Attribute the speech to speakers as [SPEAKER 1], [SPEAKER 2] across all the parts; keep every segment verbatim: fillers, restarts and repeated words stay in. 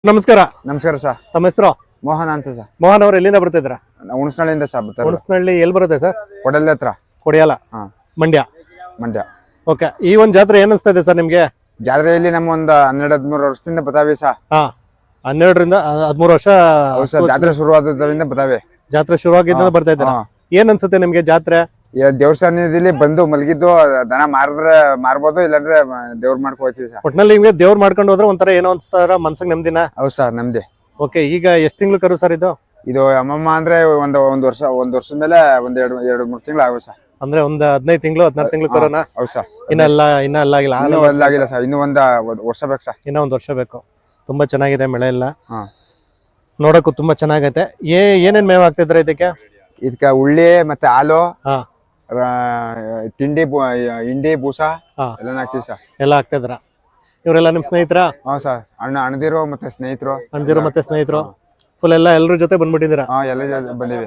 [SPEAKER 1] ನಮಸ್ಕಾರ.
[SPEAKER 2] ನಮಸ್ಕಾರ ಸರ್.
[SPEAKER 1] ತಮ್ಮ ಹೆಸರು?
[SPEAKER 2] ಮೋಹನ್ ಅಂತ ಸರ್.
[SPEAKER 1] ಮೋಹನ್ ಅವರು ಎಲ್ಲಿಂದ ಬರ್ತಿದ್ರ?
[SPEAKER 2] ಹುಣಸನಹಳ್ಳಿಯಿಂದ ಸರ್ ಬರ್ತಾರೆ.
[SPEAKER 1] ಹುಣಸನಹಳ್ಳಿ ಎಲ್ಲಿ ಬರುತ್ತೆ ಸರ್?
[SPEAKER 2] ಕೊಡಲ್ ಹತ್ರ.
[SPEAKER 1] ಕೊಡಿಯಾಲ. ಹಾ, ಮಂಡ್ಯ.
[SPEAKER 2] ಮಂಡ್ಯ.
[SPEAKER 1] ಓಕೆ, ಈ ಒಂದು ಜಾತ್ರೆ ಏನ್ ಅನಿಸ್ತಾ ಇದೆ ಸರ್ ನಿಮ್ಗೆ?
[SPEAKER 2] ಜಾತ್ರೆಯಲ್ಲಿ ನಮ್ಮ ಒಂದು ಹನ್ನೆರಡು ಹದಿಮೂರು ವರ್ಷದಿಂದ ಬರ್ತಾವೆ ಸರ್.
[SPEAKER 1] ಹಾ, ಹನ್ನೆರಡರಿಂದ ಹದಿಮೂರು ವರ್ಷ
[SPEAKER 2] ಜಾತ್ರೆ ಶುರುವಾದ್ರಿಂದ ಬರ್ತಾವೆ.
[SPEAKER 1] ಜಾತ್ರೆ ಶುರುವಾಗಿದ್ದ ಬರ್ತಾ ಇದ್ದೀರಾ? ಏನ್ ಅನ್ಸುತ್ತೆ ನಿಮ್ಗೆ ಜಾತ್ರೆ?
[SPEAKER 2] ದೇವಸ್ಥಾನದಲ್ಲಿ ಬಂದು ಮಲಗಿದ್ದು ದನ ಮಾರಿದ್ರೆ ಮಾರ್ಬೋದು, ಇಲ್ಲಾಂದ್ರೆ ದೇವ್ರ ಮಾಡ್ಕೊ ಹೋಗ್ತೀವಿ ಸರ್.
[SPEAKER 1] ಒಟ್ನಲ್ಲಿ ನಿಮ್ಗೆ ದೇವ್ರ ಮಾಡ್ಕೊಂಡು ಹೋದ್ರೆ ಒಂಥರ ಏನೋ ಅನ್ಸ್ತಾರ ಮನ್ಸಿಗೆ ನೆಮ್ಮದಿನ?
[SPEAKER 2] ಹೌದು ಸರ್, ನಮ್ದೇ.
[SPEAKER 1] ಓಕೆ, ಈಗ ಎಷ್ಟ್ ತಿಂಗಳು ಕರು ಸರ್ ಇದು?
[SPEAKER 2] ಇದು ಅಮ್ಮಮ್ಮ ಅಂದ್ರೆ ಒಂದು ಒಂದ್ ವರ್ಷ ಒಂದ್ ವರ್ಷದ ಮೇಲೆ ಒಂದ್ ಎರಡು ಎರಡು ಮೂರು ತಿಂಗಳು ಆಗುತ್ತೆ ಸರ್.
[SPEAKER 1] ಅಂದ್ರೆ ಒಂದ್ ಹದಿನೈದು ತಿಂಗಳು ಹದಿನಾರು ತಿಂಗಳು ಕರೋನ?
[SPEAKER 2] ಹೌದು ಸರ್.
[SPEAKER 1] ಇನ್ನೆಲ್ಲ ಇನ್ನ ಅಲ್ಲಾಗಿಲ್ಲ?
[SPEAKER 2] ಇನ್ನೂ ಅಲ್ಲಾಗಿಲ್ಲ ಸರ್, ಇನ್ನೂ ಒಂದ್ ವರ್ಷ ಬೇಕು ಸರ್.
[SPEAKER 1] ಇನ್ನ ಒಂದ್ ವರ್ಷ ಬೇಕು. ತುಂಬಾ ಚೆನ್ನಾಗಿದೆ ಮಳೆ ಎಲ್ಲ, ನೋಡಕ್ಕೂ ತುಂಬಾ ಚೆನ್ನಾಗೈತೆ. ಏ ಏನೇನ್ ಮೇವ್ ಆಗ್ತಿದ್ರೆ ಇದಕ್ಕೆ?
[SPEAKER 2] ಇದಕ್ಕೆ ಉಳ್ಳಿ ಮತ್ತೆ ಹಾಲು,
[SPEAKER 1] ಹಾ,
[SPEAKER 2] ತಿಂಡಿ, ಹಿಂಡಿ, ಬೂಸ ಎಲ್ಲ ಹಾಕ್ತಿವಿ ಸರ್.
[SPEAKER 1] ಎಲ್ಲ ಆಗ್ತಿದ್ರ? ಇವರೆಲ್ಲ ನಿಮ್ ಸ್ನೇಹಿತರ?
[SPEAKER 2] ಹಾ ಸರ್, ಅಣ್ಣ ಅಣ್ಣದಿರು ಮತ್ತೆ ಸ್ನೇಹಿತರು.
[SPEAKER 1] ಅಣ್ಣದಿರು ಮತ್ತೆ ಸ್ನೇಹಿತರು ಫುಲ್ ಎಲ್ಲ ಎಲ್ಲರ ಜೊತೆ ಬಂದ್ಬಿಟ್ಟಿದ್ದೀರಾ?
[SPEAKER 2] ಹಾ, ಎಲ್ಲ ಬಂದಿವಿ.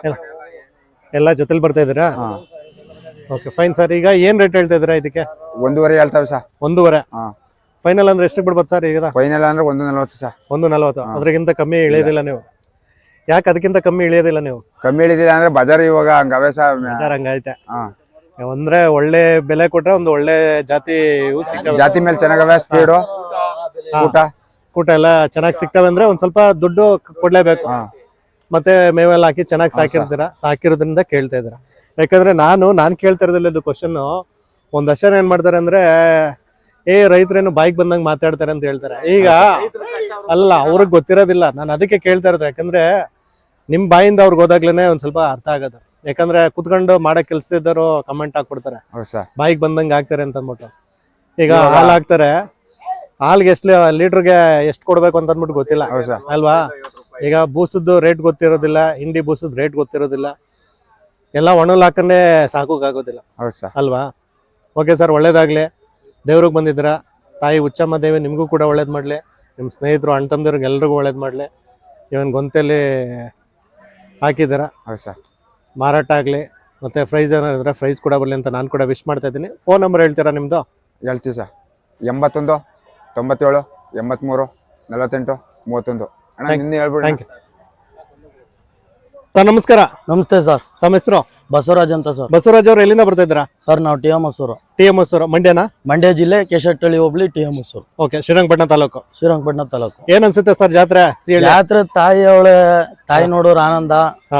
[SPEAKER 1] ಎಲ್ಲ ಜೊತೆಲಿ ಬರ್ತಾ ಇದ್ದೀರಾ? Okay, fine sir. ಈಗ ಏನ್ ರೇಟ್ ಹೇಳ್ತಾ ಇದ್ದೀರಾ ಇದಕ್ಕೆ?
[SPEAKER 2] ಒಂದೂವರೆ ಹೇಳ್ತಾವೆ ಸರ್.
[SPEAKER 1] ಒಂದೂವರೆ? ಫೈನಲ್ ಅಂದ್ರೆ ಎಷ್ಟು ಬಿಡ್ಬೋದು ಸರ್ ಈಗ?
[SPEAKER 2] ಫೈನಲ್ ಅಂದ್ರೆ ಒಂದು ನಲ್ವತ್ತು ಸರ್.
[SPEAKER 1] ಒಂದು ನಲ್ವತ್ತು? ಅದ್ರಗಿಂತ ಕಮ್ಮಿ ಇಳಿಯೋದಿಲ್ಲ ನೀವು? ಯಾಕೆ ಅದಕ್ಕಿಂತ ಕಮ್ಮಿ ಇಳಿಯೋದಿಲ್ಲ ನೀವು?
[SPEAKER 2] ಕಮ್ಮಿ ಇಳಿದಿಲ್ಲ ಅಂದ್ರೆ ಬಜಾರ್ ಇವಾಗ ಹಂಗವೆ ಸರ್.
[SPEAKER 1] ಬಜಾರ್ ಹಂಗೈತೆ. ಅಂದ್ರೆ ಒಳ್ಳೆ ಬೆಲೆ ಕೊಟ್ರೆ ಒಂದು ಒಳ್ಳೆ ಜಾತಿ
[SPEAKER 2] ಜಾತಿ ಮೇಲೆ ಚೆನ್ನಾಗವೆ. ಸ್ಪೀಡು, ಊಟ
[SPEAKER 1] ಕೂಟ ಎಲ್ಲ ಚೆನ್ನಾಗಿ ಸಿಗ್ತವೆ ಅಂದ್ರೆ ಒಂದ್ ಸ್ವಲ್ಪ ದುಡ್ಡು ಕೊಡ್ಲೇಬೇಕು. ಮತ್ತೆ ಮೇವೆಲ್ಲ ಹಾಕಿ ಚೆನ್ನಾಗಿ ಸಾಕಿರ್ತೀರಾ, ಸಾಕಿರೋದ್ರಿಂದ ಕೇಳ್ತಾ ಇದ್ದೀರಾ. ಯಾಕಂದ್ರೆ ನಾನು ನಾನ್ ಕೇಳ್ತಾ ಇರೋದಿಲ್ಲ ಇದು ಕ್ವಶನ್. ಒಂದಷ್ಟು ಜನ ಏನ್ ಮಾಡ್ತಾರೆ ಅಂದ್ರೆ, ಏ ರೈತರೇನು ಬಾಯಿಗೆ ಬಂದಂಗೆ ಮಾತಾಡ್ತಾರೆ ಅಂತ ಹೇಳ್ತಾರೆ. ಈಗ ಅಲ್ಲ, ಅವ್ರಿಗೆ ಗೊತ್ತಿರೋದಿಲ್ಲ. ನಾನು ಅದಕ್ಕೆ ಕೇಳ್ತಾ ಇರೋದು. ಯಾಕಂದ್ರೆ ನಿಮ್ ಬಾಯಿಂದ ಅವ್ರಿಗೆ ಹೋದಾಗ್ಲೇನೆ ಒಂದ್ ಸ್ವಲ್ಪ ಅರ್ಥ ಆಗೋದು. ಯಾಕಂದ್ರೆ ಕುತ್ಕೊಂಡು ಮಾಡಕ್ ಕೆಲ್ಸದಿದ್ದವರು ಕಮೆಂಟ್ ಹಾಕ್ಬಿಡ್ತಾರೆ, ಬಾಯಿಗೆ ಬಂದಂಗೆ ಹಾಕ್ತಾರೆ ಅಂತ ಅಂದ್ಬಿಟ್ಟು. ಈಗ ಹಾಲು ಹಾಕ್ತಾರೆ, ಹಾಲ್ಗೆ ಎಷ್ಟು ಲೀಟರ್ಗೆ ಎಷ್ಟು ಕೊಡ್ಬೇಕು ಅಂತ ಅಂದ್ಬಿಟ್ಟು ಗೊತ್ತಿಲ್ಲ ಅಲ್ವಾ? ಈಗ ಬೂಸದ್ದು ರೇಟ್ ಗೊತ್ತಿರೋದಿಲ್ಲ, ಹಿಂಡಿ ಬೂಸದ್ ರೇಟ್ ಗೊತ್ತಿರೋದಿಲ್ಲ. ಎಲ್ಲ ಒಣಲ್ ಹಾಕಂಡೆ ಸಾಕೋಕ್ಕಾಗೋದಿಲ್ಲ ಅಲ್ವಾ? ಓಕೆ ಸರ್, ಒಳ್ಳೇದಾಗ್ಲಿ. ದೇವ್ರಿಗೆ ಬಂದಿದ್ದೀರಾ, ತಾಯಿ ಹುಚ್ಚಮ್ಮ ದೇವಿ ನಿಮಗೂ ಕೂಡ ಒಳ್ಳೇದು ಮಾಡಲಿ, ನಿಮ್ಮ ಸ್ನೇಹಿತರು ಅಣ್ಣ ತಮ್ಮದಿವ್ರಿಗೆ ಎಲ್ರಿಗೂ ಒಳ್ಳೇದು ಮಾಡಲಿ. ಇವನ್ ಗೊಂತೆಲಿ ಹಾಕಿದ್ದೀರಾ, ಹೌದು ಸರ್, ಮಾರಾಟ ಆಗಲಿ. ಮತ್ತು ಪ್ರೈಸ್ ಏನಾದ್ರೆ ಪ್ರೈಸ್ ಕೂಡ ಬರಲಿ ಅಂತ ನಾನು ಕೂಡ ವಿಶ್ ಮಾಡ್ತಾ ಇದ್ದೀನಿ. ಫೋನ್ ನಂಬರ್ ಹೇಳ್ತೀರಾ ನಿಮ್ಮದು? ಹೇಳ್ತೀವಿ ಸರ್. ಎಂಬತ್ತೊಂದು ತೊಂಬತ್ತೇಳು ಎಂಬತ್ತ್ಮೂರು ನಲವತ್ತೆಂಟು ಮೂವತ್ತೊಂದು. ಅಣ್ಣ ಹೇಳ್ಬಿಡಿ. Thank you sir. ನಮಸ್ಕಾರ.
[SPEAKER 3] ನಮಸ್ತೆ ಸರ್.
[SPEAKER 1] ತಮ್ಮ ಹೆಸರು?
[SPEAKER 3] ಬಸವರಾಜ್ ಅಂತ ಸರ್.
[SPEAKER 1] ಬಸವರಾಜ್ ಅವ್ರು ಎಲ್ಲಿಂದ ಬರ್ತಾ ಇದ್ದೀರಾ?
[SPEAKER 3] ಸರ್ ನಾವು T M Hosur.
[SPEAKER 1] T M Hosur, ಮಂಡ್ಯನಾ?
[SPEAKER 3] ಮಂಡ್ಯ ಜಿಲ್ಲೆ ಕೇಶಟ್ಟಳ್ಳಿ ಹೋಬಳಿ, T M Hosur.
[SPEAKER 1] Okay, Srirangapatna ತಾಲೂಕು.
[SPEAKER 3] ಶ್ರೀರಂಗಪಟ್ಟಣ ತಾಲೂಕು.
[SPEAKER 1] ಏನ್ ಅನ್ಸುತ್ತೆ ಸರ್ ಜಾತ್ರೆ?
[SPEAKER 3] ಜಾತ್ರೆ ತಾಯಿ ಅವಳ ತಾಯಿ ನೋಡೋರ್ ಆನಂದ,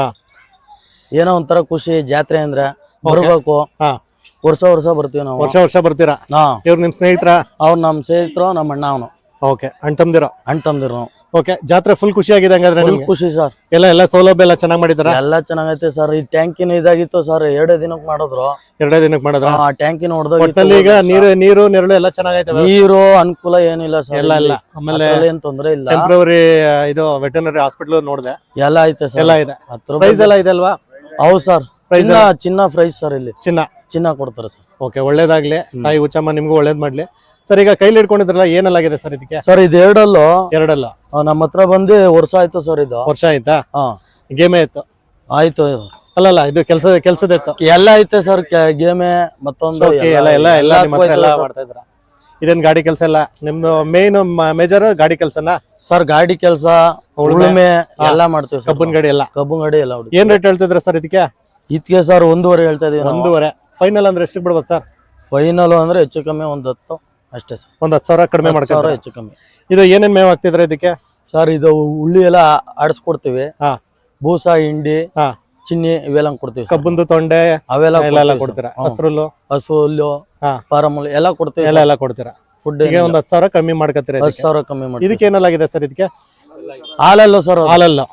[SPEAKER 3] ಏನೋ ಒಂಥರ ಖುಷಿ. ಜಾತ್ರೆ ಅಂದ್ರೆ ಬರ್ಬೇಕು. ವರ್ಷ ವರ್ಷ ಬರ್ತೀವಿ ನಾವು.
[SPEAKER 1] ವರ್ಷ ವರ್ಷ ಬರ್ತೀರಾ? ಇವ್ರು ನಿಮ್ ಸ್ನೇಹಿತರ?
[SPEAKER 3] ಅವ್ರು ನಮ್ ಸ್ನೇಹಿತರು, ನಮ್ಮ ಅಣ್ಣ ಅವನು.
[SPEAKER 1] ಓಕೆ, ಅಣ್ಣ ತಮ್ಮದಿರು?
[SPEAKER 3] ಅಣ್ಣ ತಮ್ಮದಿರು.
[SPEAKER 1] ಓಕೆ, ಜಾತ್ರೆ ಫುಲ್ ಖುಷಿ ಆಗಿದೆ ಹಂಗಾದ್ರೆ?
[SPEAKER 3] ಖುಷಿ ಸರ್.
[SPEAKER 1] ಎಲ್ಲ ಎಲ್ಲ ಸೌಲಭ್ಯ ಎಲ್ಲ ಚೆನ್ನಾಗಿ ಮಾಡಿದಾರ?
[SPEAKER 3] ಎಲ್ಲ ಚೆನ್ನಾಗೈತೆ ಸರ್. ಈ ಟ್ಯಾಂಕಿನ ಇದಾಗಿತ್ತು ಸರ್, ಎರಡೇ ದಿನಕ್ಕೆ ಮಾಡಿದ್ರು.
[SPEAKER 1] ಎರಡೇ ದಿನಕ್ಕೆ ಮಾಡಿದ್ರ?
[SPEAKER 3] ಆ ಟ್ಯಾಂಕಿನ ಹೊಡೆದ
[SPEAKER 1] ಒಟ್ಟಲ್ಲಿ ಈಗ ನೀರು ನೀರು ನೆರಳು ಎಲ್ಲ ಚೆನ್ನಾಗೈತೆ?
[SPEAKER 3] ನೀರು ಅನುಕೂಲ ಏನಿಲ್ಲ ಸರ್.
[SPEAKER 1] ಎಲ್ಲ ಇಲ್ಲ. ಆಮೇಲೆ
[SPEAKER 3] ಏನ್ ತೊಂದ್ರೆ ಇಲ್ಲ.
[SPEAKER 1] ಟೆಂಪ್ರವರಿ ಇದು ವೆಟರ್ನರಿ ಹಾಸ್ಪಿಟಲ್ ನೋಡಿದೆ,
[SPEAKER 3] ಎಲ್ಲ ಐತೆ ಸರ್.
[SPEAKER 1] ಎಲ್ಲ ಇದೆ. ಪ್ರೈಸ್ ಎಲ್ಲ ಇದೆ ಅಲ್ವಾ?
[SPEAKER 3] ಹೌದು ಸರ್. ಚಿನ್ನ ಪ್ರೈಸ್ ಸರ್. ಇಲ್ಲಿ ಚಿನ್ನ ಚಿನ್ನ ಕೊಡ್ತಾರೆ ಸರ್.
[SPEAKER 1] ಓಕೆ, ಒಳ್ಳೇದಾಗ್ಲಿ. ತಾಯಿ ಹುಚ್ಚಮ್ಮ ನಿಮ್ಗೂ ಒಳ್ಳೇದ್ ಮಾಡ್ಲಿ ಸರ್. ಈಗ ಕೈಲಿ ಹಿಡ್ಕೊಂಡಿದ್ರಲ್ಲ, ಏನೆಲ್ಲಾಗಿದೆ ಸರ್ ಇದಕ್ಕೆ?
[SPEAKER 3] ಸರ್ ಇದು ಎರಡಲ್ಲೂ
[SPEAKER 1] ಎರಡಲ್ಲ
[SPEAKER 3] ನಮ್ಮ ಹತ್ರ ಬಂದು ವರ್ಷ ಆಯ್ತು ಸರ್. ಇದು
[SPEAKER 1] ವರ್ಷ ಆಯ್ತಾ?
[SPEAKER 3] ಹಾ,
[SPEAKER 1] ಗೇಮೇ ಇತ್ತು?
[SPEAKER 3] ಆಯ್ತು.
[SPEAKER 1] ಅಲ್ಲಲ್ಲ, ಇದು ಕೆಲಸ ಕೆಲಸದ ಇತ್ತು?
[SPEAKER 3] ಎಲ್ಲ ಐತೆ ಸರ್. ಗೇಮೆ ಮತ್ತೊಂದು
[SPEAKER 1] ಎಲ್ಲ ಎಲ್ಲ ಎಲ್ಲ ನಿಮ್ಮ ಹತ್ರ ಎಲ್ಲ ಮಾಡ್ತಾ ಇದ್ರ? ಇದೇನ್ ಗಾಡಿ ಕೆಲಸ ಎಲ್ಲ ನಿಮ್ದು ಮೇನ್ ಮೇಜರ್ ಗಾಡಿ ಕೆಲಸನಾ
[SPEAKER 3] ಸರ್? ಗಾಡಿ ಕೆಲಸ, ಉಳುಮೆ ಎಲ್ಲ ಮಾಡ್ತೀವಿ.
[SPEAKER 1] ಕಬ್ಬನ್ ಗಾಡಿ ಎಲ್ಲ?
[SPEAKER 3] ಕಬ್ಬನ್ ಗಾಡಿ ಎಲ್ಲ.
[SPEAKER 1] ಏನ್ ರೇಟ್ ಹೇಳ್ತಿದ್ರ ಸರ್ ಇದಕ್ಕೆ?
[SPEAKER 3] ಇದಕ್ಕೆ ಸರ್ ಒಂದೂವರೆ ಹೇಳ್ತಾ ಇದೀವಿ.
[SPEAKER 1] ಒಂದೂವರೆ? ಫೈನಲ್ ಅಂದ್ರೆ ಎಷ್ಟು ಬಿಡ್ಬೋದು ಸರ್?
[SPEAKER 3] ಫೈನಲ್ ಅಂದ್ರೆ ಹೆಚ್ಚು ಕಮ್ಮಿ ಒಂದ್ ಹತ್ತು ಅಷ್ಟೇ ಸರ್.
[SPEAKER 1] ಒಂದ್ ಹತ್ತು ಸಾವಿರ ಕಡಿಮೆ ಮಾಡ್ತಾರೆ
[SPEAKER 3] ಹೆಚ್ಚು ಕಮ್ಮಿ.
[SPEAKER 1] ಇದು ಏನೇನ್ ಮೇವ್ ಆಗ್ತಿದ್ರೆ ಇದಕ್ಕೆ
[SPEAKER 3] ಸರ್? ಇದು ಉಳ್ಳಿ ಎಲ್ಲ ಆಡಿಸ್ಕೊಡ್ತೀವಿ. ಬೂಸ, ಹಿಂಡಿ, ಚಿನ್ನಿ ಇವೆಲ್ಲ ಕೊಡ್ತೀವಿ.
[SPEAKER 1] ಕಬ್ಬಂದು ತೊಂಡೆ
[SPEAKER 3] ಅವೆಲ್ಲ
[SPEAKER 1] ಎಲ್ಲ ಕೊಡ್ತೀರಾ? ಹಸ್ರುಲ್ಲು,
[SPEAKER 3] ಹಸುಲ್ಲು, ಪಾರಮುಲ್ಲು ಎಲ್ಲ ಕೊಡ್ತೀವಿ.
[SPEAKER 1] ಎಲ್ಲ ಎಲ್ಲ ಕೊಡ್ತೀರಾ? ಫುಡ್ ಒಂದ್ ಹತ್ತು ಸಾವಿರ ಕಮ್ಮಿ ಮಾಡ್ಕತ್ತೀರಾ?
[SPEAKER 3] ಹತ್ತು ಸಾವಿರ ಕಮ್ಮಿ ಮಾಡಿ.
[SPEAKER 1] ಇದಕ್ಕೆ ಏನೆಲ್ಲಾಗಿದೆ ಸರ್? ಇದಕ್ಕೆ
[SPEAKER 3] ಹಾಲಲ್ಲ ಸರ್?
[SPEAKER 1] ಹಾಲಲ್ಲ.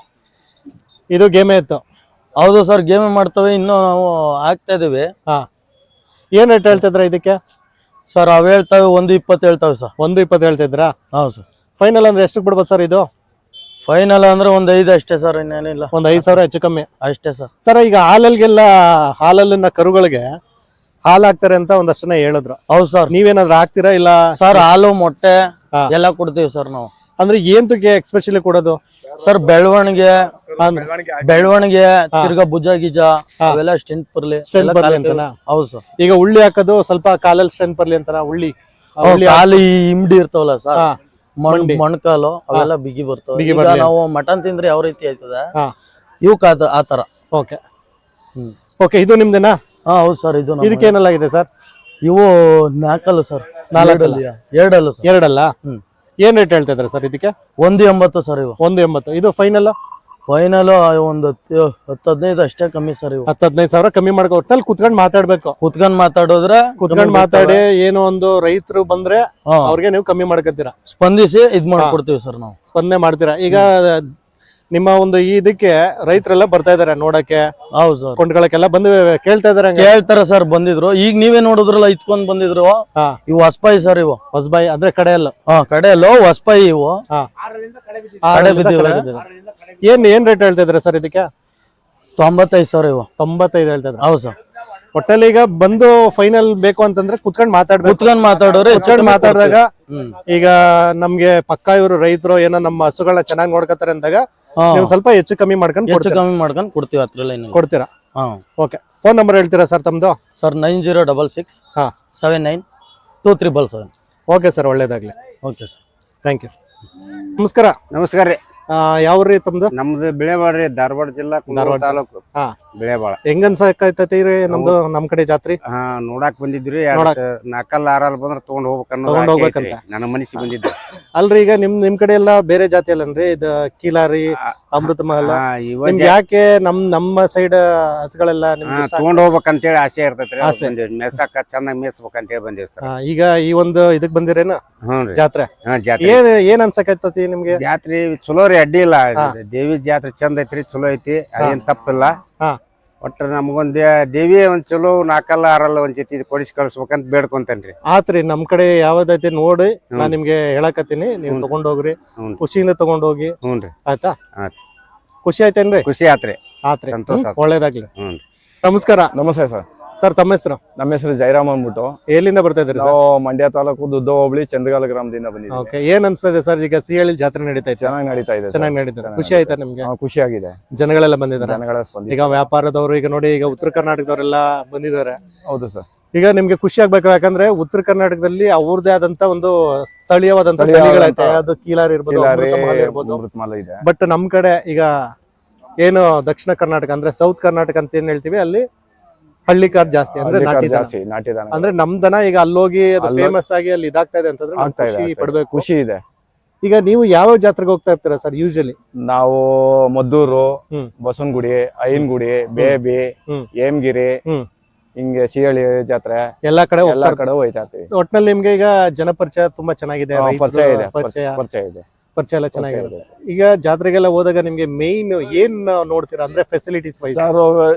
[SPEAKER 1] ಇದು ಗೇಮೇ ಇತ್ತು?
[SPEAKER 3] ಹೌದು ಸರ್, ಗೇಮೇ ಮಾಡ್ತೇವೆ. ಇನ್ನು ನಾವು ಹಾಕ್ತಾ ಇದೀವಿ.
[SPEAKER 1] ಹಾ, ಏನ್ ರೇಟ್ ಹೇಳ್ತಿದ್ರ ಇದಕ್ಕೆ
[SPEAKER 3] ಸರ್? ಅವ್ ಹೇಳ್ತಾವೆ ಒಂದು ಇಪ್ಪತ್ತು ಹೇಳ್ತಾವೆ ಸರ್.
[SPEAKER 1] ಒಂದು ಇಪ್ಪತ್ತು ಹೇಳ್ತಿದ್ರಾ?
[SPEAKER 3] ಹೌದು ಸರ್.
[SPEAKER 1] ಫೈನಲ್ ಅಂದ್ರೆ ಎಷ್ಟು ಬಿಡ್ಬೋದು ಸರ್ ಇದು?
[SPEAKER 3] ಫೈನಲ್ ಅಂದ್ರೆ ಒಂದ್ ಐದು ಅಷ್ಟೇ ಸರ್, ಇನ್ನೇನಿಲ್ಲ.
[SPEAKER 1] ಒಂದ್ ಐದು ಸಾವಿರ ಹೆಚ್ಚು ಕಮ್ಮಿ
[SPEAKER 3] ಅಷ್ಟೇ ಸರ್.
[SPEAKER 1] ಸರ್, ಈಗ ಹಾಲಲ್ಗೆಲ್ಲ ಹಾಲಲ್ಲಿನ ಕರುಗಳಿಗೆ ಹಾಲು ಹಾಕ್ತಾರೆ ಅಂತ ಒಂದಷ್ಟು ಜನ ಹೇಳಿದ್ರು.
[SPEAKER 3] ಹೌದು ಸರ್.
[SPEAKER 1] ನೀವೇನಾದ್ರು ಹಾಕ್ತೀರಾ? ಇಲ್ಲ
[SPEAKER 3] ಸರ್, ಹಾಲು ಮೊಟ್ಟೆ ಎಲ್ಲ ಕೊಡ್ತೀವಿ ಸರ್ ನಾವು.
[SPEAKER 1] ಅಂದ್ರೆ ಏಂತಕ್ಕೆ ಎಕ್ಸ್ಪೆಷಲಿ ಕೊಡೋದು
[SPEAKER 3] ಸರ್? ಬೆಳವಣಿಗೆ, ಬೆಳವಣಿಗೆ, ತಿರ್ಗಾ ಭುಜ ಗಿಜ ಅವೆಲ್ಲ ಸ್ಟ್ರೆಂತ್ ಬರ್ಲಿ. ಹೌದು ಸರ್.
[SPEAKER 1] ಈಗ ಉಳ್ಳಿ ಹಾಕೋದು ಸ್ವಲ್ಪ ಕಾಲಲ್ಲಿ ಸ್ಟ್ರೆಂತ್ ಬರ್ಲಿ ಅಂತ? ಉಳ್ಳಿ
[SPEAKER 3] ಖಾಲಿ ಇಮ್ಡಿ ಇರ್ತಾವಲ್ಲ ಸರ್, ಮಣ್ ಮೊಣಕಾಲು ಅವೆಲ್ಲ ಬಿಗಿ ಬರ್ತವೆ.
[SPEAKER 1] ಬಿಗಿ
[SPEAKER 3] ಈಗ
[SPEAKER 1] ಬರ್ಲಿ.
[SPEAKER 3] ನಾವು ಮಟನ್ ತಿಂದ್ರೆ ಯಾವ ರೀತಿ ಆಯ್ತದೆ
[SPEAKER 1] ಹಾ
[SPEAKER 3] ಇವಕ್ ಆತ- ಆ ತರ.
[SPEAKER 1] ಓಕೆ ಓಕೆ ಇದು ನಿಮ್ದೇನಾ?
[SPEAKER 3] ಹಾ ಹೌದು ಸರ್. ಇದು ನಮ್ಮ-
[SPEAKER 1] ಇದಕ್ಕೆ ಏನೆಲ್ಲಾಗಿದೆ ಸರ್?
[SPEAKER 3] ಇವು ನಾಲ್ಕಲ್ಲು ಸರ್.
[SPEAKER 1] ನಾಲ್ಕಲ್ಲ?
[SPEAKER 3] ಎರಡಲ್ಲು ಸರ್.
[SPEAKER 1] ಎರಡಲ್ಲ?
[SPEAKER 3] ಹ್ಮ್.
[SPEAKER 1] ಏನ್ ರೇಟ್ ಹೇಳ್ತಾ ಇದ್ದಾರೆ ಸರ್ ಇದಕ್ಕೆ?
[SPEAKER 3] ಒಂದು ಎಂಬತ್ತು ಸರ್ ಇವು.
[SPEAKER 1] ಒಂದು ಎಂಬತ್ತು. ಇದು ಫೈನಲ್
[SPEAKER 3] ಫೈನಲ್ ಒಂದು ಹತ್ತು ಹತ್ತು ಹದಿನೈದು ಅಷ್ಟೇ ಕಮ್ಮಿ ಸರ್ ಇವು.
[SPEAKER 1] ಹತ್ತು ಹದಿನೈದು ಸಾವಿರ ಕಮ್ಮಿ ಮಾಡ್ಕೊ. ಒಟ್ನಲ್ಲಿ ಕುತ್ಕೊಂಡ್ ಮಾತಾಡ್ಬೇಕು.
[SPEAKER 3] ಕುತ್ಕೊಂಡ್ ಮಾತಾಡೋದ್ರೆ
[SPEAKER 1] ಕುತ್ಕೊಂಡ್ ಮಾತಾಡಿ ಏನೋ ಒಂದು ರೈತರು ಬಂದ್ರೆ
[SPEAKER 3] ಹಾ.
[SPEAKER 1] ಅವ್ರಿಗೆ ನೀವು ಕಮ್ಮಿ ಮಾಡ್ಕೊತೀರಾ,
[SPEAKER 3] ಸ್ಪಂದಿಸಿ ಇದ್ ಮಾಡ್ಕೊಡ್ತೀವಿ ಸರ್ ನಾವು.
[SPEAKER 1] ಸ್ಪಂದನೆ ಮಾಡ್ತೀರಾ. ಈಗ ನಿಮ್ಮ ಒಂದು ಈ ಇದಕ್ಕೆ ರೈತರೆಲ್ಲ ಬರ್ತಾ ಇದಾರೆ ನೋಡಕ್ಕೆ,
[SPEAKER 3] ಹೌದು ಸರ್.
[SPEAKER 1] ಕೊಂಡ್ಗಳಕ್ಕೆಲ್ಲ ಬಂದು ಕೇಳ್ತಾ ಇದಾರೆ.
[SPEAKER 3] ಕೇಳ್ತಾರ ಸರ್ ಬಂದಿದ್ರು. ಈಗ ನೀವೇ ನೋಡಿದ್ರಲ್ಲ ಇತ್ಕೊಂಡ್ ಬಂದಿದ್ರು.
[SPEAKER 1] ಹಾ
[SPEAKER 3] ಇವು ಹೊಸಪಾಯಿ ಸರ್ ಇವು.
[SPEAKER 1] ಹೊಸಬಾಯಿ ಅಂದ್ರೆ ಕಡೆ ಅಲ್ಲ.
[SPEAKER 3] ಹಾ ಕಡೆಯಲ್ಲೋ ಹೊಸಪಾಯಿ ಇವು.
[SPEAKER 1] ಹಾ
[SPEAKER 3] ಕಡೆ ಬಿದ್ದಿವೆ.
[SPEAKER 1] ಏನ್ ಏನ್ ರೇಟ್ ಹೇಳ್ತಾ ಇದಾರೆ ಸರ್ ಇದಕ್ಕೆ?
[SPEAKER 3] ತೊಂಬತ್ತೈದು ಸಾವಿರ ಇವು.
[SPEAKER 1] ತೊಂಬತ್ತೈದು ಹೇಳ್ತಾ ಇದ್ದಾರೆ.
[SPEAKER 3] ಹೌದು ಸರ್.
[SPEAKER 1] ಒಟ್ಟಲ್ಲಿ ಈಗ ಬಂದು ಫೈನಲ್ ಬೇಕು ಅಂತಂದ್ರೆ ಕುತ್ಕೊಂಡ್ ಮಾತಾಡ್ಬೇಕು.
[SPEAKER 3] ಕುತ್ಕೊಂಡ್ ಮಾತಾಡೋರೆ
[SPEAKER 1] ಕುತ್ಕೊಂಡ್ ಮಾತಾಡಿದಾಗ
[SPEAKER 3] ಹ್ಮ್.
[SPEAKER 1] ಈಗ ನಮ್ಗೆ ಪಕ್ಕ ಇವರು ರೈತರು ಏನೋ ನಮ್ಮ ಹಸುಗಳನ್ನ ಚೆನ್ನಾಗಿ ನೋಡ್ಕೊತಾರೆ ಅಂದಾಗ
[SPEAKER 3] ಹಾ.
[SPEAKER 1] ನೀವು ಸ್ವಲ್ಪ ಹೆಚ್ಚು ಕಮ್ಮಿ ಮಾಡ್ಕೊಂಡು
[SPEAKER 3] ಹೆಚ್ಚು
[SPEAKER 1] ಕೊಡ್ತೀರಾ
[SPEAKER 3] ಕಮ್ಮಿ ಮಾಡ್ಕೊಂಡ್ ಕೊಡ್ತೀವಿ ಹತ್ರ ಏನಿಲ್ಲ.
[SPEAKER 1] ಕೊಡ್ತೀರಾ
[SPEAKER 3] ಹಾ
[SPEAKER 1] ಓಕೆ. ಫೋನ್ ನಂಬರ್ ಹೇಳ್ತೀರಾ ಸರ್ ತಮ್ದು?
[SPEAKER 3] Sir nine zero double six
[SPEAKER 1] ಹಾ
[SPEAKER 3] seven nine two triple seven.
[SPEAKER 1] Okay sir, ಒಳ್ಳೇದಾಗ್ಲಿ.
[SPEAKER 3] Okay sir,
[SPEAKER 1] thank you. ನಮಸ್ಕಾರ.
[SPEAKER 2] ನಮಸ್ಕಾರ ರೀ.
[SPEAKER 1] ಯಾವ್ರಿ ತಮ್ದು?
[SPEAKER 2] ನಮ್ದು ಬಿಳೆಬಾಳ ರೀ, ಧಾರವಾಡ ಜಿಲ್ಲಾ, ಕುಂದಗೋಳ ತಾಲೂಕು.
[SPEAKER 1] ಹಾ
[SPEAKER 2] ಬಿಳೆಬಾಳ.
[SPEAKER 1] ಹೆಂಗ್ ಅನ್ಸಕೈತೈತಿ ರೀ ನಮ್ದು ನಮ್ ಕಡೆ ಜಾತ್ರಿ?
[SPEAKER 2] ಹಾ ನೋಡಾಕ್ ಬಂದಿದ್ರಿ.
[SPEAKER 1] ನೋಡಾಕ್.
[SPEAKER 2] ನಾಲ್ಕಲ್ಲ ಆರಲ್ಲ ಬಂದ್ರ ತಗೊಂಡ್ ಹೋಗ್ಬೇಕ ಅನ್ನೋದು
[SPEAKER 1] ತಗೊಂಡ್
[SPEAKER 2] ಆಸೆ
[SPEAKER 1] ಹೋಗ್ಬೇಕಂತ.
[SPEAKER 2] ಐತ್ರಿ. ನನ್ನ ಮನಸ್ಸಿಗೆ ಬಂದಿದ್ದು.
[SPEAKER 1] ಅಲ್ರಿ ಈಗ ನಿಮ್ ನಿಮ್ ಕಡೆ ಎಲ್ಲ ಬೇರೆ ಜಾತಿ ಅಲ್ಲನ್ರಿ? ಇದು ಕೀಲಾರಿ, ಅಮೃತ ಮಹಲ್.
[SPEAKER 2] ಹಾ, ಇವ
[SPEAKER 1] ನಿಮ್ಗೆ ಯಾಕೆ ನಮ್ ನಮ್ಮ ಸೈಡ್ ಹಸುಗಳೆಲ್ಲ ನಿಮ್ಗೆ ಇಷ್ಟ?
[SPEAKER 2] ತಗೊಂಡ್ ಹೋಗ್ಬೇಕಂತೇಳಿ ಆಸೆ ಇರ್ತೈತ್ರಿ.
[SPEAKER 1] ಆಸೆ.
[SPEAKER 2] ಬಂದೇವಿ ಮೇಸಾಕ ಚಂದಾಗಿ ಮೇಸ್ಬೇಕಂತೇಳಿ ಬಂದೇವಿ ಸರ್.
[SPEAKER 1] ಹಾ, ಈಗ ಈ ಒಂದು ಇದಕ್ ಬಂದಿರೇನ
[SPEAKER 2] ಹ್ಞೂ ರೀ.
[SPEAKER 1] ಜಾತ್ರೆ?
[SPEAKER 2] ಹಾ ಜಾತ್ರೆ.
[SPEAKER 1] ಏನ್ ಏನ್ ಅನ್ಸಕೈತತಿ ನಿಮ್ಗೆ?
[SPEAKER 2] ಜಾತ್ರೆ ಚಲೋ ರೀ, ಅಡ್ಡಿ ಇಲ್ಲ. ದೇವಿ ಜಾತ್ರೆ ಚಂದ ಐತ್ರಿ, ಚಲೋ ಐತಿ, ಅದೇನ್ ತಪ್ಪಿಲ್ಲ.
[SPEAKER 1] ಹಾ
[SPEAKER 2] ಒಟ್ಟ ನಮಗೊಂದ್ ದೇವಿ ಒಂದ್ ಚಲೋ ನಾಲ್ಕಲ್ಲ ಆರಲ್ಲ ಒಂದ್ ಜೊತೆ ಕೊಡಿಸಿ ಕಳ್ಸ್ಬೇಕಂತ ಬೇಡ್ಕೊಂತೇನ್ರಿ.
[SPEAKER 1] ಆತ್ರಿ, ನಮ್ ಕಡೆ ಯಾವ್ದೈತಿ ನೋಡಿ ನಾನ್ ನಿಮ್ಗೆ ಹೇಳಕತ್ತೀನಿ, ನೀವು ತಗೊಂಡೋಗ್ರಿ,
[SPEAKER 2] ಹ್ಞೂ
[SPEAKER 1] ಖುಷಿಯಿಂದ ತಗೊಂಡೋಗಿ.
[SPEAKER 2] ಹ್ಞೂನ್ರಿ.
[SPEAKER 1] ಆಯ್ತಾ?
[SPEAKER 2] ಆಯ್ತು.
[SPEAKER 1] ಖುಷಿ ಆಯ್ತೇನ್ರಿ?
[SPEAKER 2] ಖುಷಿ ಆತ್ರಿ.
[SPEAKER 1] ಆತ್ರಿ,
[SPEAKER 2] ಸಂತೋಷ
[SPEAKER 1] ಹ್ಮ್,
[SPEAKER 2] ಆಯ್ತು.
[SPEAKER 1] ಒಳ್ಳೇದಾಗ್ಲಿ.
[SPEAKER 2] ಹ್ಞೂ.
[SPEAKER 1] ನಮಸ್ಕಾರ
[SPEAKER 4] ನಮಸ್ತೆ ಸರ್.
[SPEAKER 1] ಸರ್, ತಮ್ಮ ಹೆಸರು?
[SPEAKER 4] ನಮ್ಮ ಹೆಸರು ಜೈರಾಮ್ ಅಂದ್ಬಿಟ್ಟು.
[SPEAKER 1] ಎಲ್ಲಿಂದ ಬರ್ತಾ ಇದ್ರಿ ಸರ್?
[SPEAKER 4] ನಾವು ಮಂಡ್ಯ ತಾಲೂಕು ದುದ್ದ ಹೋಬಳಿ ಚಂದಗಾಲ ಗ್ರಾಮದಿಂದ ಬಂದಿದ್ದೀವಿ.
[SPEAKER 1] ಓಕೆ, ಏನ್ ಅನ್ಸ್ತದೆ ಸರ್ ಈಗ ಸಿಹಳ್ಳಿ ಜಾತ್ರೆ ನಡೀತಾ ಇದೆ?
[SPEAKER 4] ಚೆನ್ನಾಗಿ ನಡೀತಾ ಇದೆ.
[SPEAKER 1] ಚೆನ್ನಾಗಿ ನಡೀತದೆ. ಖುಷಿ ಆಯ್ತಾ ನಿಮ್ಗೆ?
[SPEAKER 4] ಹಾ, ಖುಷಿಯಾಗಿದೆ.
[SPEAKER 1] ಜನಗಳೆಲ್ಲ ಬಂದಿದ್ದಾರೆ.
[SPEAKER 4] ಜನಗಳ ಸ್ಪಂದಿಸಿ.
[SPEAKER 1] ಈಗ ವ್ಯಾಪಾರದವರು ಈಗ ನೋಡಿ, ಈಗ ಉತ್ತರ ಕರ್ನಾಟಕದವರೆಲ್ಲ ಬಂದಿದ್ದಾರೆ.
[SPEAKER 4] ಹೌದು ಸರ್.
[SPEAKER 1] ಈಗ ನಿಮ್ಗೆ ಖುಷಿ ಆಗ್ಬೇಕು, ಯಾಕಂದ್ರೆ ಉತ್ತರ ಕರ್ನಾಟಕದಲ್ಲಿ ಅವ್ರದೇ ಆದಂತ ಒಂದು ಸ್ಥಳೀಯವಾದಂತ
[SPEAKER 4] ಸ್ಥಳೀಯವಾದಂತ
[SPEAKER 1] ತಳಿಗಳೈತೆ. ಅದು ಕೀಲಾರಿ ಇರ್ಬೋದು,
[SPEAKER 4] ಕಿಲಾರಿ,
[SPEAKER 1] ಅಮೃತ ಮಹಲ್ ಇರ್ಬೋದು.
[SPEAKER 4] ಅಮೃತಮಾಲ ಇದೆ.
[SPEAKER 1] ಬಟ್ ನಮ್ ಕಡೆ ಈಗ ಏನು ದಕ್ಷಿಣ ಕರ್ನಾಟಕ ಅಂದ್ರೆ ಸೌತ್ ಕರ್ನಾಟಕ ಅಂತ ಏನ್ ಹೇಳ್ತೀವಿ, ಅಲ್ಲಿ ಹಳ್ಳಿ ಕಾರ್ ಜಾಸ್ತಿ, ಅಂದ್ರೆ
[SPEAKER 4] ಹಳ್ಳಿ ಕಾರ್
[SPEAKER 1] ನಾಟಿ ದನ.
[SPEAKER 4] ಜಾಸ್ತಿ, ನಾಟಿ ದನ.
[SPEAKER 1] ಅಂದ್ರೆ ನಮ್ ದನ ಈಗ ಅಲ್ಲೋಗಿ ಅದು
[SPEAKER 4] ಅಲ್ಲೋ-
[SPEAKER 1] ಫೇಮಸ್ ಆಗಿ ಅಲ್ಲಿ ಇದಾಗ್ತಾ ಇದೆ ಅಂತಂದ್ರೆ ನಾವು
[SPEAKER 4] ಆಗ್ತಾ ಇದೆ,
[SPEAKER 1] ಖುಷಿ
[SPEAKER 4] ಆಗ್ತಾ ಇದೆ.
[SPEAKER 1] ಪಡ್ಬೇಕು.
[SPEAKER 4] ಖುಷಿ ಇದೆ.
[SPEAKER 1] ಈಗ ನೀವು ಯಾವ ಜಾತ್ರೆಗೆ ಹೋಗ್ತಾ ಇರ್ತೀರಾ ಸರ್ ಯೂಶಲಿ?
[SPEAKER 4] ನಾವು ಮದ್ದೂರು,
[SPEAKER 1] ಹ್ಮ್.
[SPEAKER 4] ಬಸವನಗುಡಿ, ಐನಗುಡಿ, ಬೇಬಿ,
[SPEAKER 1] ಹ್ಮ್.
[SPEAKER 4] ಹೇಮಗಿರಿ,
[SPEAKER 1] ಹ್ಮ್.
[SPEAKER 4] ಹಿಂಗೆ ಸಿಹಳಿ ಜಾತ್ರೆ
[SPEAKER 1] ಎಲ್ಲಾ ಕಡೆ
[SPEAKER 4] ಎಲ್ಲಾ
[SPEAKER 1] ಹೋಗ್ತಾ
[SPEAKER 4] ಕಡೆ ಹೋಯ್ತಾ ಇರ್ತೀವಿ.
[SPEAKER 1] ಒಟ್ನಲ್ಲಿ ನಿಮ್ಗೆ ಈಗ ಜನಪರಿಚಯ ತುಂಬಾ ಚೆನ್ನಾಗಿದೆ,
[SPEAKER 4] ಹಾ,
[SPEAKER 1] ರೈತರ
[SPEAKER 4] ಪರಿಚಯ ಇದೆ.
[SPEAKER 1] ಪರಿಚಯ
[SPEAKER 4] ಪರಿಚಯ ಇದೆ.
[SPEAKER 1] ಪರಿಚಯ ಎಲ್ಲ ಚೆನ್ನಾಗಿರುತ್ತೆ. ಈಗ ಜಾತ್ರೆಗೆಲ್ಲ ಹೋದಾಗ ನಿಮ್ಗೆ ಮೇನ್ ಏನ್ ನೋಡ್ತೀರಾ ಅಂದ್ರೆ ಫೆಸಿಲಿಟೀಸ್ ವೈಸ್?
[SPEAKER 4] ಸರ್,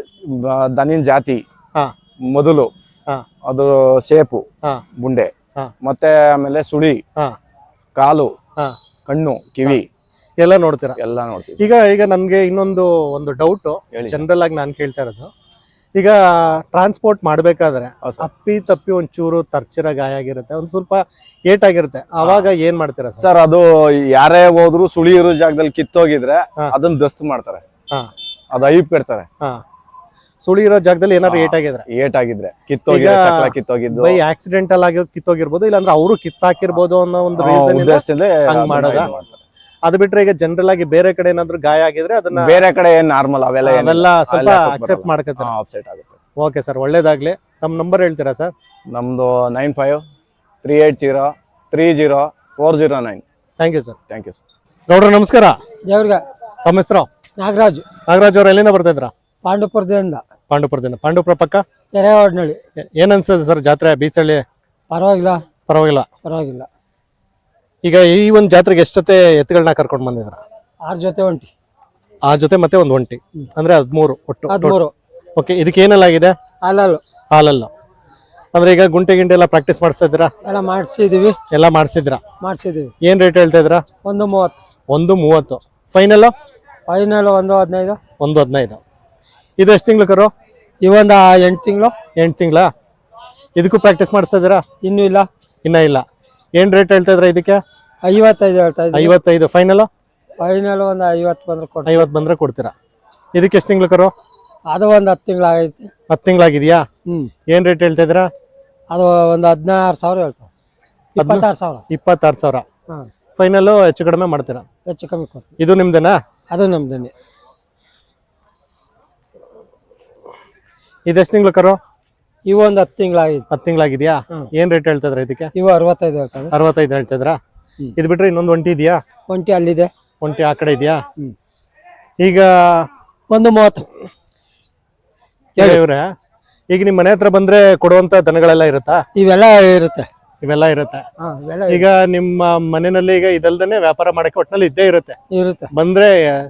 [SPEAKER 4] ದನಿನ್ ಜಾತಿ,
[SPEAKER 1] ಹಾ
[SPEAKER 4] ಮೊದಲು
[SPEAKER 1] ಹಾ
[SPEAKER 4] ಅದು ಸೇಪು,
[SPEAKER 1] ಹಾ
[SPEAKER 4] ಬುಂಡೆ,
[SPEAKER 1] ಹಾ.
[SPEAKER 4] ಮತ್ತೆ ಆಮೇಲೆ ಸುಳಿ,
[SPEAKER 1] ಹಾ
[SPEAKER 4] ಕಾಲು,
[SPEAKER 1] ಹಾ
[SPEAKER 4] ಕಣ್ಣು, ಕಿವಿ
[SPEAKER 1] ಎಲ್ಲ ನೋಡ್ತೀರಾ?
[SPEAKER 4] ಎಲ್ಲ ನೋಡ್ತೀವಿ.
[SPEAKER 1] ಈಗ ಈಗ ನನ್ಗೆ ಇನ್ನೊಂದು ಒಂದು ಡೌಟ್
[SPEAKER 4] ಹೇಳಿ.
[SPEAKER 1] ಜನರಲ್ ಆಗಿ ನಾನು ಕೇಳ್ತಾ ಇರೋದು, ಈಗ ಟ್ರಾನ್ಸ್ಪೋರ್ಟ್ ಮಾಡ್ಬೇಕಾದ್ರೆ
[SPEAKER 4] ಹೌದು ಸರ್.
[SPEAKER 1] ಅಪ್ಪಿ ತಪ್ಪಿ ಒಂಚೂರು ತರ್ಚಿರ ಗಾಯ ಆಗಿರುತ್ತೆ, ಒಂದ್ ಸ್ವಲ್ಪ ಏಟ್ ಆಗಿರುತ್ತೆ, ಅವಾಗ ಏನ್ ಮಾಡ್ತೀರಾ ಸರ್?
[SPEAKER 4] ಸರ್, ಅದು ಯಾರೇ ಹೋದ್ರು ಸುಳಿ ಇರೋ ಜಾಗದಲ್ಲಿ ಕಿತ್ತೋಗಿದ್ರೆ
[SPEAKER 1] ಹಾ.
[SPEAKER 4] ಅದನ್ನ ದಸ್ತ್ ಮಾಡ್ತಾರೆ.
[SPEAKER 1] ಹಾ
[SPEAKER 4] ಅದು ಐಪ್ ಇಡ್ತಾರೆ.
[SPEAKER 1] ಹಾ ಸುಳಿ ಇರೋ ಜಾಗದಲ್ಲಿ ಏನಾದ್ರು ಏಟ್ ಆಗಿದ್ರೆ,
[SPEAKER 4] ಏಟ್ ಆಗಿದ್ರೆ, ಕಿತ್ತೋಗಿದ್ರೆ,
[SPEAKER 1] ಈಗ
[SPEAKER 4] ಚಕ್ರ ಕಿತ್ತೋಗಿದ್ದು,
[SPEAKER 1] ಬೈ ಆಕ್ಸಿಡೆಂಟಲ್ ಆಗಿ ಕಿತ್ತೋಗಿರ್ಬೋದು, ಇಲ್ಲಾಂದ್ರೆ ಅವರು ಕಿತ್ತಾಕಿರ್ಬೋದು ಅನ್ನೋ ಒಂದು
[SPEAKER 4] ಆ,
[SPEAKER 1] ರೀಸನ್
[SPEAKER 4] ಉದ್ದೇಶದಿಂದ
[SPEAKER 1] ಹಂಗ್
[SPEAKER 4] ಅದನ್ನ
[SPEAKER 1] ಮಾಡೋದಾ?
[SPEAKER 4] ಇದು ಮಾಡ್ತಾರೆ.
[SPEAKER 1] ಅದು ಬಿಟ್ರೆ ಈಗ ಜನರಲ್ ಆಗಿ ಬೇರೆ ಕಡೆ ಏನಾದ್ರು ಗಾಯ ಆಗಿದ್ರೆ ಅದನ್ನ
[SPEAKER 4] ಬೇರೆ ಕಡೆ ಏನ್ ನಾರ್ಮಲ್ ಅವೆಲ್ಲ ಏನಿಲ್ಲ.
[SPEAKER 1] ಅವೆಲ್ಲ ಸ್ವಲ್ಪ
[SPEAKER 4] ಅಲ್ಲಿ ಹಾಕೋಕ್
[SPEAKER 1] ಅಕ್ಸೆಪ್ಟ್
[SPEAKER 4] ಬರಲ್ಲ.
[SPEAKER 1] ಮಾಡ್ಕೊತಾರೆ.
[SPEAKER 4] ಹಾ, ಅಪ್ಸೆಟ್ ಆಗುತ್ತೆ.
[SPEAKER 1] ಓಕೆ ಸರ್, ಒಳ್ಳೇದಾಗ್ಲಿ. ತಮ್ಮ ನಂಬರ್ ಹೇಳ್ತೀರಾ ಸರ್?
[SPEAKER 4] ನಮ್ದು nine five three eight zero three zero four zero nine.
[SPEAKER 1] Thank you sir.
[SPEAKER 4] Thank you sir.
[SPEAKER 1] ಗೌಡ್ರ ನಮಸ್ಕಾರ.
[SPEAKER 5] ದೇವ್ರಿಗೆ
[SPEAKER 1] ತಮ್ಮ ಹೆಸರು?
[SPEAKER 5] ನಾಗರಾಜ್,
[SPEAKER 1] ನಾಗರಾಜ್ ಅವ್ರ ಎಲ್ಲಿಂದ ಬರ್ತಾ ಇದ್ರ?
[SPEAKER 5] ಪಾಂಡುಪುರದಿಂದ.
[SPEAKER 1] ಪಾಂಡುಪುರದಿಂದ. ಪಾಂಡುಪುರ ಪಕ್ಕ
[SPEAKER 5] ಎರೆಹೊಡ್ನಳ್ಳಿ.
[SPEAKER 1] ಏ- ಏನ್ ಅನ್ಸ್ತದೆ ಸರ್ ಜಾತ್ರೆ ಬೀಸಳ್ಳಿ?
[SPEAKER 5] ಪರವಾಗಿಲ್ಲ,
[SPEAKER 1] ಪರವಾಗಿಲ್ಲ.
[SPEAKER 5] ಪರವಾಗಿಲ್ಲ.
[SPEAKER 1] ಈಗ ಈ ಒಂದು ಜಾತ್ರೆಗೆ ಎಷ್ಟೊತ್ತೆ ಎತ್ತುಗಳನ್ನ ಕರ್ಕೊಂಡು ಬಂದಿದ್ರ?
[SPEAKER 5] ಆರ್ ಜೊತೆ ಒಂಟಿ,
[SPEAKER 1] ಆ ಜೊತೆ ಮತ್ತೆ ಒಂದು ಒಂಟಿ, ಅಂದ್ರೆ ಹದಿಮೂರು ಒಟ್ಟು.
[SPEAKER 5] ಹದಿಮೂರು.
[SPEAKER 1] ಓಕೆ, ಇದಕ್ಕೆ ಏನೆಲ್ಲ ಆಗಿದೆ?
[SPEAKER 5] ಅಲ್ಲಲ್ಲ
[SPEAKER 1] ಹಾಲಲ್ಲ ಅಂದ್ರೆ ಈಗ ಗುಂಟೆ ಗಿಂಟೆ ಎಲ್ಲ ಪ್ರಾಕ್ಟೀಸ್ ಮಾಡಿಸ್ತಾ ಇದ್ದೀರಾ?
[SPEAKER 5] ಎಲ್ಲ ಮಾಡಿಸಿದೀವಿ,
[SPEAKER 1] ಎಲ್ಲ ಮಾಡಿಸಿದ್ರಾ?
[SPEAKER 5] ಮಾಡಿಸಿದೀವಿ.
[SPEAKER 1] ಏನ್ ರೇಟ್ ಹೇಳ್ತಾ ಇದ್ರಾ?
[SPEAKER 5] ಒಂದು ಮೂವತ್ತು.
[SPEAKER 1] ಒಂದು ಮೂವತ್ತು. ಫೈನಲ್
[SPEAKER 5] ಫೈನಲ್ ಒಂದು ಹದಿನೈದು.
[SPEAKER 1] ಒಂದು ಹದಿನೈದು. ಇದು ಎಷ್ಟು ತಿಂಗಳು ಕರು?
[SPEAKER 5] ಇವೊಂದು ಎಂಟು ತಿಂಗಳು.
[SPEAKER 1] ಎಂಟು ತಿಂಗಳ. ಇದಕ್ಕೂ ಪ್ರಾಕ್ಟೀಸ್ ಮಾಡಿಸ್ತಾ ಇದ್ದೀರಾ?
[SPEAKER 5] ಇನ್ನೂ ಇಲ್ಲ.
[SPEAKER 1] ಇನ್ನ ಇಲ್ಲ. ಏನ್ ರೇಟ್ ಹೇಳ್ತಾ ಇದ್ರ ಇದಕ್ಕೆ?
[SPEAKER 5] ಐವತ್ತೈದು ಹೇಳ್ತಾ ಇದ್ದೀವಿ.
[SPEAKER 1] ಐವತ್ತೈದು. ಫೈನಲ್
[SPEAKER 5] ಫೈನಲ್ ಒಂದು ಐವತ್ತು ಬಂದ್ರೆ ಕೊಡ್ತೀವಿ.
[SPEAKER 1] ಐವತ್ತು ಬಂದ್ರೆ ಕೊಡ್ತೀರಾ? ಇದಕ್ಕೆ ಎಷ್ಟು ತಿಂಗಳು ಕರು?
[SPEAKER 5] ಅದು ಒಂದು ಹತ್ತು ತಿಂಗಳು ಆಗೈತಿ.
[SPEAKER 1] ಹತ್ತು ತಿಂಗಳಾಗಿದೆಯಾ?
[SPEAKER 5] ಹ್ಮ್
[SPEAKER 1] ಏನ್ ರೇಟ್ ಹೇಳ್ತಾ ಇದ್ದೀರಾ?
[SPEAKER 5] ಅದು ಒಂದು ಹದಿನಾರು ಸಾವಿರ ಹೇಳ್ತಾವೆ. ಇಪ್ಪತ್ತಾರು ಸಾವಿರ.
[SPEAKER 1] ಇಪ್ಪತ್ತಾರು ಸಾವಿರ.
[SPEAKER 5] ಹಾಂ.
[SPEAKER 1] ಫೈನಲ್ ಹೆಚ್ಚು ಕಡಿಮೆ ಮಾಡ್ತೀರಾ?
[SPEAKER 5] ಹೆಚ್ಚು ಕಮ್ಮಿ ಕೊಡ್ತೀವಿ.
[SPEAKER 1] ಇದು ನಿಮ್ದೇನಾ?
[SPEAKER 5] ಅದು ನಮ್ದನ್ನೇ.
[SPEAKER 1] ಇದೆಷ್ಟು ತಿಂಗಳು ಕರು?
[SPEAKER 5] ಇವು ಒಂದು ಹತ್ತು ತಿಂಗಳಾಗಿತ್ತು.
[SPEAKER 1] ಹತ್ತು ತಿಂಗಳಾಗಿದ್ಯಾ? ಏನ್ ರೇಟ್ ಹೇಳ್ತಾ ಇದ್ರ ಇದಕ್ಕೆ?
[SPEAKER 5] ಇವು ಅರವತ್ತೈದು ಹೇಳ್ತವೆ.
[SPEAKER 1] ಅರವತ್ತೈದು ಹೇಳ್ತಾ ಇದ್ರಾ? ಇದು ಬಿಟ್ರೆ ಇನ್ನೊಂದು ಒಂಟಿ ಇದೆಯಾ?
[SPEAKER 5] ಒಂಟಿ ಅಲ್ಲಿದೆ.
[SPEAKER 1] ಒಂಟಿ ಆ ಕಡೆ ಇದೆಯಾ? ಈಗ
[SPEAKER 5] ಒಂದು ಮೂವತ್ತು.
[SPEAKER 1] ಇವ್ರೆ, ಈಗ ನಿಮ್ ಮನೆ ಹತ್ರ ಬಂದ್ರೆ ಕೊಡುವಂತ ದನಗಳೆಲ್ಲ ಇರುತ್ತಾ?
[SPEAKER 5] ಇವೆಲ್ಲ ಇರುತ್ತೆ.
[SPEAKER 1] ಇವೆಲ್ಲ ಇರುತ್ತೆ.
[SPEAKER 5] ಹಾ, ಇವೆಲ್ಲ
[SPEAKER 1] ಈಗ ನಿಮ್ಮ ಮನೆಯಲ್ಲಿ ಈಗ ಇದಲ್ದೇನೆ ವ್ಯಾಪಾರ ಮಾಡಕ್ಕೆ ಒಟ್ನಲ್ಲಿ ಇದ್ದೇ ಇರುತ್ತೆ.
[SPEAKER 5] ಇರುತ್ತೆ.
[SPEAKER 1] ಬಂದ್ರೆ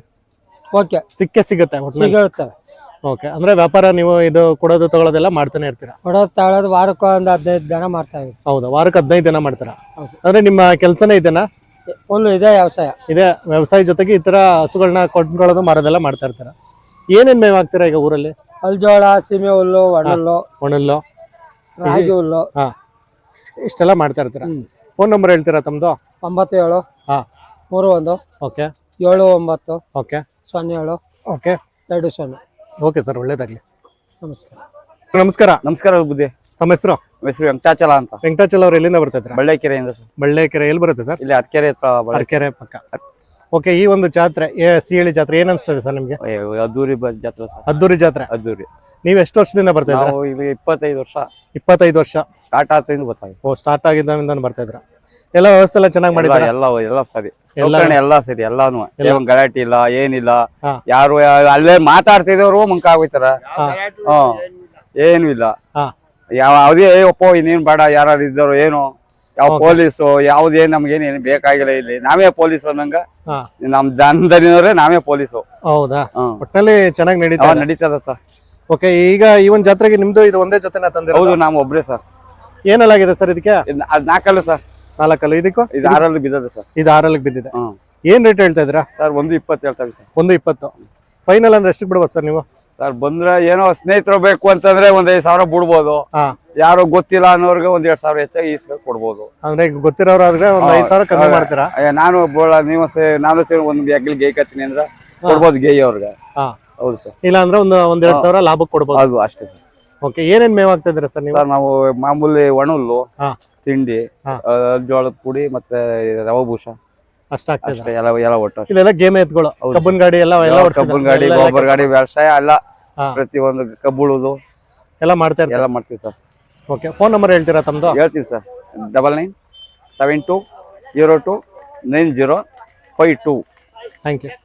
[SPEAKER 5] ಓಕೆ,
[SPEAKER 1] ಸಿಕ್ಕೇ ಸಿಗುತ್ತೆ ಒಟ್ನಲ್ಲಿ.
[SPEAKER 5] ಸಿಗುತ್ತವೆ.
[SPEAKER 1] ಓಕೆ, ಅಂದ್ರೆ ವ್ಯಾಪಾರ ನೀವು ಇದು ಕೊಡೋದು ತಗೊಳ್ಳೋದೆಲ್ಲ ಮಾಡ್ತಾನೆ ಇರ್ತೀರಾ?
[SPEAKER 5] ಕೊಡೋದು ತಗೊಳ್ಳೋದು ವಾರಕ್ಕೆ ಒಂದು ಹದಿನೈದು ದನ ಮಾಡ್ತಾ ಇದ್ದೀವಿ.
[SPEAKER 1] ಹೌದಾ? ವಾರಕ್ಕೆ ಹದಿನೈದು ದಿನ ಮಾಡ್ತೀರಾ?
[SPEAKER 5] ಹೌದು.
[SPEAKER 1] ಅಂದ್ರೆ ನಿಮ್ಮ ಕೆಲಸನೇ ಇದೆನಾ?
[SPEAKER 5] ಫುಲ್ ಇದೆ ವ್ಯವಸಾಯ.
[SPEAKER 1] ಇದೇ ವ್ಯವಸಾಯ ಜೊತೆಗೆ ಈ ತರ ಹಸುಗಳನ್ನ ಕೊಂಡ್ಕೊಳ್ಳೋದು ಮಾರೋದೆಲ್ಲ ಮಾಡ್ತಾ ಇರ್ತೀರಾ? ಏನೇನ್ ಮೇವ್ ಹಾಕ್ತೀರಾ ಈಗ ಊರಲ್ಲಿ?
[SPEAKER 5] ಅಲ್ಜೋಳ, ಸೀಮೆ ಹುಲ್ಲು, ಒಣಹುಲ್ಲು,
[SPEAKER 1] ಒಣಲ್ಲು,
[SPEAKER 5] ರಾಗಿ ಹುಲ್ಲು,
[SPEAKER 1] ಹಾ, ಇಷ್ಟೆಲ್ಲ ಮಾಡ್ತಾ ಇರ್ತೀರಾ? ಫೋನ್ ನಂಬರ್ ಹೇಳ್ತೀರಾ ತಮ್ದು?
[SPEAKER 5] ಒಂಬತ್ತು ಏಳು
[SPEAKER 1] ಹಾ,
[SPEAKER 5] ಮೂರು ಒಂದು
[SPEAKER 1] ಓಕೆ
[SPEAKER 5] ಏಳು ಒಂಬತ್ತು
[SPEAKER 1] ಓಕೆ
[SPEAKER 5] ಸೊನ್ನೆ ಏಳು
[SPEAKER 1] ಓಕೆ
[SPEAKER 5] ಎರಡು ಸೊನ್ನೆ.
[SPEAKER 1] ಓಕೆ ಸರ್, ಒಳ್ಳೇದಾಗ್ಲಿ.
[SPEAKER 5] ನಮಸ್ಕಾರ.
[SPEAKER 1] ನಮಸ್ಕಾರ.
[SPEAKER 4] ನಮಸ್ಕಾರ ಬುದ್ಧಿ.
[SPEAKER 1] ತಮ್ಮ ಹೆಸರು?
[SPEAKER 4] ಹೆಸರು ವೆಂಕಟಾಚಲ ಅಂತ,
[SPEAKER 1] ವೆಂಕಟಾಚಲ ಅವ್ರು ಎಲ್ಲಿಂದ ಬರ್ತಾ ಇದ್ರ?
[SPEAKER 4] ಬಳ್ಳೇಕೆರೆಯಿಂದ ಸರ್.
[SPEAKER 1] ಬಳ್ಳೇಕೆರೆ ಎಲ್ಲಿ ಬರುತ್ತೆ ಸರ್?
[SPEAKER 4] ಇಲ್ಲಿ ಹತ್ಕೆರೆ ಹತ್ರ ಬಳ್ಳೇ-
[SPEAKER 1] ಅರಕೆರೆ ಪಕ್ಕ. ಓಕೆ, ಈ ಒಂದು ಜಾತ್ರೆ ಏ- ಸಿಹಳಿ ಜಾತ್ರೆ ಏನ್ ಅನ್ಸ್ತದೆ ಸರ್ ನಿಮ್ಗೆ?
[SPEAKER 4] ಏ, ಅದ್ದೂರಿ ಬ- ಜಾತ್ರೆ ಸರ್.
[SPEAKER 1] ಅದ್ದೂರಿ ಜಾತ್ರೆ.
[SPEAKER 4] ಅದ್ದೂರಿ.
[SPEAKER 1] ನೀವ್ ಎಷ್ಟು ವರ್ಷದಿಂದ ಬರ್ತಾ ಇದ್ರ?
[SPEAKER 4] ನಾವು ಇಲ್ಲಿ ಇಪ್ಪತ್ತೈದು ವರ್ಷ
[SPEAKER 1] ಇಪ್ಪತ್ತೈದು ವರ್ಷ
[SPEAKER 4] ಸ್ಟಾರ್ಟ್ ಆಗ್ತದಿಂದ ಗೊತ್ತಾಗಿ
[SPEAKER 1] ಓ, ಸ್ಟಾರ್ಟ್ ಆಗಿದ್ದ ಬರ್ತಾ ಇದ್ರ? ಎಲ್ಲ ವ್ಯವಸ್ಥೆ ಎಲ್ಲ ಚೆನ್ನಾಗಿ
[SPEAKER 4] ಎಲ್ಲ
[SPEAKER 1] ಮಾಡಿದ್ರ?
[SPEAKER 4] ಎಲ್ಲ ಎಲ್ಲ ಸರಿ,
[SPEAKER 1] ಎಲ್ಲ-
[SPEAKER 4] ಸೌಕರ್ಯ ಎಲ್ಲ ಸರಿ, ಎಲ್ಲಾನು ಏನ್ ಗಲಾಟೆ ಇಲ್ಲ, ಏನಿಲ್ಲ.
[SPEAKER 1] ಹಾ.
[SPEAKER 4] ಯಾರು ಯಾ- ಅಲ್ಲೇ ಮಾತಾಡ್ತಿದವ್ರು ಮಂಕ ಆಗೋಯ್ತಾರ. ಹ್ಮ್, ಏನು ಇಲ್ಲ.
[SPEAKER 1] ಹಾ,
[SPEAKER 4] ಯಾವ ಅದೇ ಒಪ್ಪೋ ಇನ್ನೇನ್ ಬೇಡ, ಯಾರು ಇದ್ದವರು ಏನು ಯಾವ ಪೊಲೀಸು ಯಾವ್ದೇನ್ ನಮ್ಗೇನ್ ಏನ್ ಬೇಕಾಗಿಲ್ಲ. ಇಲ್ಲಿ ನಾವೇ ಪೊಲೀಸ್ ಅನ್ನಂಗ,
[SPEAKER 1] ಹಾ.
[SPEAKER 4] ನಮ್ ಜನದರಿನವ್ರೆ ನಾವೇ ಪೊಲೀಸು.
[SPEAKER 1] ಹೌದಾ?
[SPEAKER 4] ಹ್ಮ್.
[SPEAKER 1] ಒಟ್ನಲ್ಲಿ ಚೆನ್ನಾಗಿ ನಡೀತಾ ಇದೆ.
[SPEAKER 4] ನಡೀತದ ಸರ್.
[SPEAKER 1] ಓಕೆ, ಈಗ ಈ ಒಂದು ಜಾತ್ರೆಗೆ ನಿಮ್ದು ಇದು ಒಂದೇ ಜೊತೆನ ತಂದಿರೋದು?
[SPEAKER 4] ಹೌದು, ನಾವು ಒಬ್ರೇ ಸರ್.
[SPEAKER 1] ಏನೆಲ್ಲಾಗಿದೆ ಸರ್ ಇದಕ್ಕೆ?
[SPEAKER 4] ಇದ್- ಅದ್ ನಾಲ್ಕಲ್ಲು ಸರ್,
[SPEAKER 1] ನಾಲ್ಕಲ್ಲ, ಇದಕ್ಕೂ?
[SPEAKER 4] ಇದು ಆರಲ್ಲಿ ಬಿದ್ದದ ಸರ್.
[SPEAKER 1] ಇದು ಆರಲ್ಲಿಗೆ ಬಿದ್ದಿದೆ.
[SPEAKER 4] ಹ್ಮ್
[SPEAKER 1] ಏನ್ ರೇಟ್ ಹೇಳ್ತಾ ಇದ್ದೀರಾ?
[SPEAKER 4] ಸರ್, ಒಂದು ಇಪ್ಪತ್ತು ಹೇಳ್ತಾರೆ ಸರ್.
[SPEAKER 1] ಒಂದು ಇಪ್ಪತ್ತು. ಫೈನಲ್ ಅಂದ್ರೆ ಎಷ್ಟಕ್ಕೆ ಬಿಡ್ಬೋದು ಸರ್ ನೀವು?
[SPEAKER 4] ಸರ್, ಬಂದ್ರೆ ಏನೋ ಸ್ನೇಹಿತರು ಬೇಕು ಅಂತಂದ್ರೆ ಒಂದ್ ಐದು ಸಾವಿರ ಬಿಡ್ಬೋದು.
[SPEAKER 1] ಹಾ,
[SPEAKER 4] ಯಾರು ಗೊತ್ತಿಲ್ಲ ಅನ್ನೋರ್ಗೆ ಒಂದ್ ಎರಡ್ ಸಾವಿರ ಹೆಚ್ಚಾಗಿ ಈಸ್ಕ ಕೊಡ್ಬೋದು.
[SPEAKER 1] ಅಂದ್ರೆ ಈಗ ಗೊತ್ತಿರೋರಾದ್ರೆ ಒಂದ್ ಐದ್ ಸಾವಿರ ಕಮ್ಮಿ ಮಾಡ್ತೀರಾ?
[SPEAKER 4] ಅಯ್ಯ, ನಾನು ಬೋಳ ನೀವು ಸೇ- ನಾನು ಸೇರಿ ಒಂದ್ ಎಗ್ಲಿ ಗೇಯ್ಕತ್ತೀನಿ ಅಂದ್ರೆ ಕೊಡ್ಬೋದು ಗೇಯ್ ಅವ್ರಿಗೆ.
[SPEAKER 1] ಹಾ,
[SPEAKER 4] ಹೌದು ಸರ್.
[SPEAKER 1] ಇಲ್ಲ ಅಂದ್ರೆ ಒಂದು ಒಂದ್ ಎರಡ್ ಸಾವಿರ ಲಾಭಕ್ಕೆ ಕೊಡ್ಬೋದು.
[SPEAKER 4] ಅದು ಅಷ್ಟೇ ಸರ್.
[SPEAKER 1] ಓಕೆ, ಏನೇನ್ ಮೇವ್ ಆಗ್ತಾ ಇದ್ದೀರಾ ಸರ್ ನೀವು?
[SPEAKER 4] ಸರ್, ನಾವು ಮಾಮೂಲಿ ಒಣಹುಲ್ಲು,
[SPEAKER 1] ಹಾ,
[SPEAKER 4] ತಿಂಡಿ,
[SPEAKER 1] ಹಾ.
[SPEAKER 4] ಆ, ಜೋಳದ ಪುಡಿ ಮತ್ತೆ ರವೆ ಭೂಷ
[SPEAKER 1] ಅಷ್ಟ ಆಗ್ತದೆ.
[SPEAKER 4] ಅಷ್ಟೇ, ಎಲ್ಲ ಎಲ್ಲ ಒಟ್ಟು ಅಷ್ಟೇ.
[SPEAKER 1] ಇಲ್ಲೆಲ್ಲ ಗೇಮ್ ಎತ್ಗಳು, ಕಬ್ಬನ್ ಗಾಡಿ ಎಲ್ಲ ಎಲ್ಲ ಓಡ್ಸಿದ್ದಾರೆ.
[SPEAKER 4] ಕಬ್ಬನ್ ಗಾಡಿ,
[SPEAKER 1] ಎಲ್ಲ
[SPEAKER 4] ಗೊಬ್ಬರ ಗಾಡಿ, ವ್ಯವಸಾಯ ಎಲ್ಲ
[SPEAKER 1] ಹಾ.
[SPEAKER 4] ಪ್ರತಿಯೊಂದು ಕಬ್ಬುಳುದು
[SPEAKER 1] ಎಲ್ಲ ಮಾಡ್ತಾ ಇರ್ತಾರೆ.
[SPEAKER 4] ಎಲ್ಲ ಮಾಡ್ತೀವಿ ಸರ್.
[SPEAKER 1] ಓಕೆ, ಫೋನ್ ನಂಬರ್ ಹೇಳ್ತೀರಾ ತಮ್ದು?
[SPEAKER 4] ಹೇಳ್ತೀವಿ sir. Double nine seven two zero two nine zero five two.
[SPEAKER 1] Thank you.